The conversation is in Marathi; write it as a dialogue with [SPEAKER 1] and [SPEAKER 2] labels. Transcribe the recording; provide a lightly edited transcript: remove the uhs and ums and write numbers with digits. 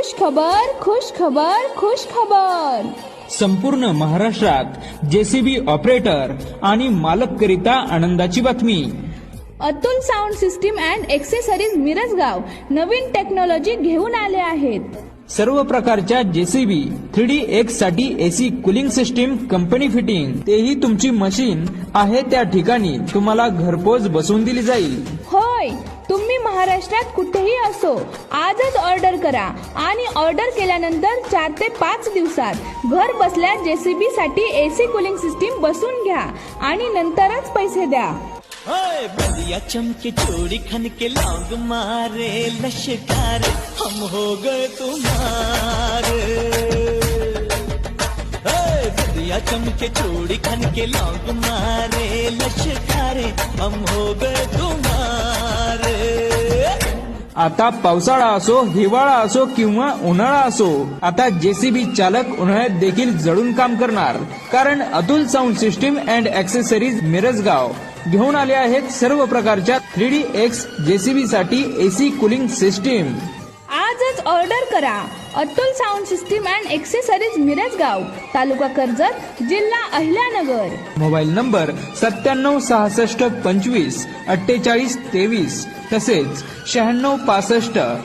[SPEAKER 1] खुश खबर, खुश खबर, खुश खबर.
[SPEAKER 2] संपूर्ण महाराष्ट्रात जेसीबी ऑपरेटर आणि मालक करिता आनंदाची बातमी.
[SPEAKER 1] Atul sound system and accessories Mirajgaon नवीन टेक्नॉलॉजी घेऊन आले आहेत.
[SPEAKER 2] सर्व प्रकारच्या जेसीबी 3DX साठी AC cooling system company fitting, तेही तुमची मशीन आहे त्या ठिकाणी तुम्हाला घरपोच बसवून दिली जाईल.
[SPEAKER 1] होय, तुम्ही महाराष्ट्रात कुठेही असो आजच ऑर्डर करा आणि ऑर्डर केल्यानंतर 4 ते 5 दिवसात घर बसल्या जेसीबी साठी एसी कूलिंग सिस्टीम बसवून घ्या आणि नंतरच पैसे द्या.
[SPEAKER 3] बलिया चमके चोरी खन के लौंग मारे लश्कार हम हो गए तुम्हारे. बलिया चमके चोरी खन के लौंग मारे लश्कार हम हो गए तुम्हारे.
[SPEAKER 2] आता पावसाळा असो, हिवाळा असो किंवा उन्हाळा असो, आता जेसीबी चालक उन्हाळ्यात देखील जडून काम करणार. कारण Atul sound system and accessories Mirajgaon घेऊन आले आहेत सर्व प्रकारच्या 3DX जेसीबी साठी एसी कूलिंग सिस्टीम.
[SPEAKER 1] आजच ऑर्डर करा. Atul sound system and accessories Mirajgaon, तालुका कर्जत, जिल्हा अहिल्यानगर.
[SPEAKER 2] मोबाईल नंबर 976625 4823 तसेच 9665